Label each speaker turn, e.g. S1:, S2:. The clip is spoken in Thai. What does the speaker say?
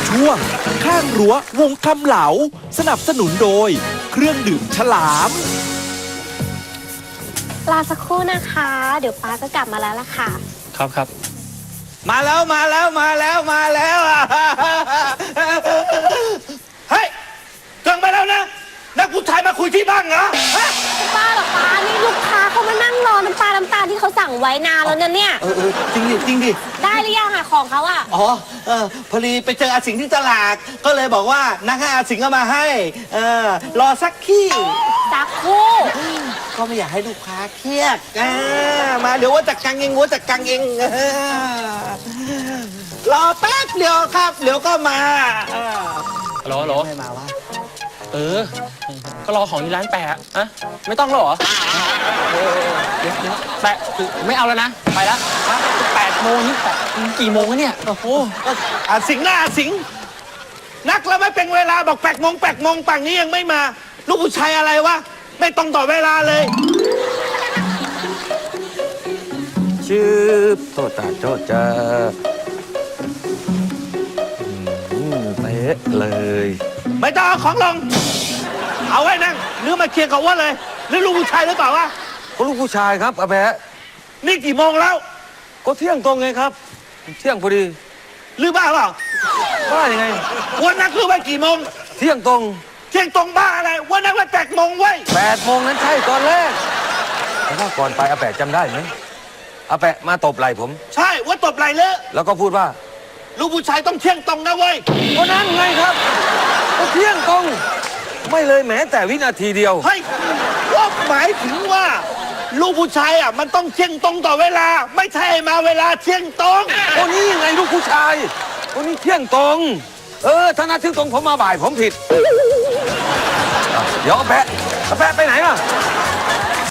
S1: ช่วงข้างรั้ววงคำเหลาสนับสนุนโดยเครื่องดื่มฉลาม
S2: รอสักครู่นะคะ เดี๋ยวป้าก็กลับมาแล้วล่ะค่ะ
S3: ครับ
S4: มาแล้วเฮ้ยเกินไปแล้วนะนักผู้ชายมาคุยที่บ้านเหรอฮะ
S2: ป้าเหรอป้านี่ลูกค้าเขามานั่งรอน้ำตาลที่เขาสั่งไว้นานแล้วนะเนี่ย
S4: จริงดิ
S2: ได้หรือยังอะของเขาอะ
S4: อ๋อพอดีไปเจออาสิงห์ที่ตลาดก็เลยบอกว่านักให้อาสิงห์เอามาให้รอสักขี้
S2: สักครู่
S4: ก็ไม่อยากให้ลูกค้าเครียดมาเดี๋ยวว่าจัดการเองรอแป๊บเดียวครับเดี๋ยวก็มา
S3: ฮัลโหล
S4: ไม่มาวะ
S3: ก็รอของที่ร้านแปะอะไม่ต้องแล้วเหรอเดี๋ยวแปะไม่เอาแล้วนะ ไปแล้ว8 โมงนี่กี่โมงแล้วเนี่ย โอ้โห
S4: อาสิงห์นักแล้วไม่เป็นเวลาบอก8 โมงป่านนี้ยังไม่มา ลูกผู้ชายอะไรวะไม่ต้องต่อเวลาเลย
S5: ชื่อโตตาโจจะเป๊ะเลย
S4: ไม่ต้องเอาของลง เอาไว้นั่งหรือมาเคลียร์กับว่าเลยหรือลูกผู้ชายหรือเปล่าวะ
S5: ก็ลูกผู้ชายครับอาแปะ
S4: นี่กี่โมงแล้ว
S5: ก็เที่ยงตรงไงครับ เที่ยงพอดี
S4: หรือบ้าเปล่า
S5: บ้ายังไง
S4: วันนักคือว่ากี่โมง
S5: เที่ยงตรง
S4: เที่ยงตรงบ้าอะไรวันนักว่า8 โมงเว้ย
S5: 8 โมงนั้นใช่ตอนแรกแต่ว่าก่อนไปอาแปะจำได้ไหมอาแปะมาตบไหล่ผม
S4: ใช่ว่าตบไหลเลอะ
S5: แล้วก็พูดว่า
S4: ลูกผู้ชายต้องเที่ยงตรงนะเว้ย
S5: ก็นั่นไงครับก็เที่ยงตรง ไม่เลยแม้แต่วินาทีเดียว
S4: เฮ้ยว่าหมายถึงว่า ลูกผู้ชายอ่ะมันต้องเที่ยงตรงต่อเวลา ไม่ใช่มาเวลาเที่ยงตรง
S5: คนนี้ยังไงลูกผู้ชายคนนี้เที่ยงตรง ถ้านัดเที่ยงตรงผมมาบ่ายผมผิดเดี๋ยวอาแปะไปไหนอ่ะ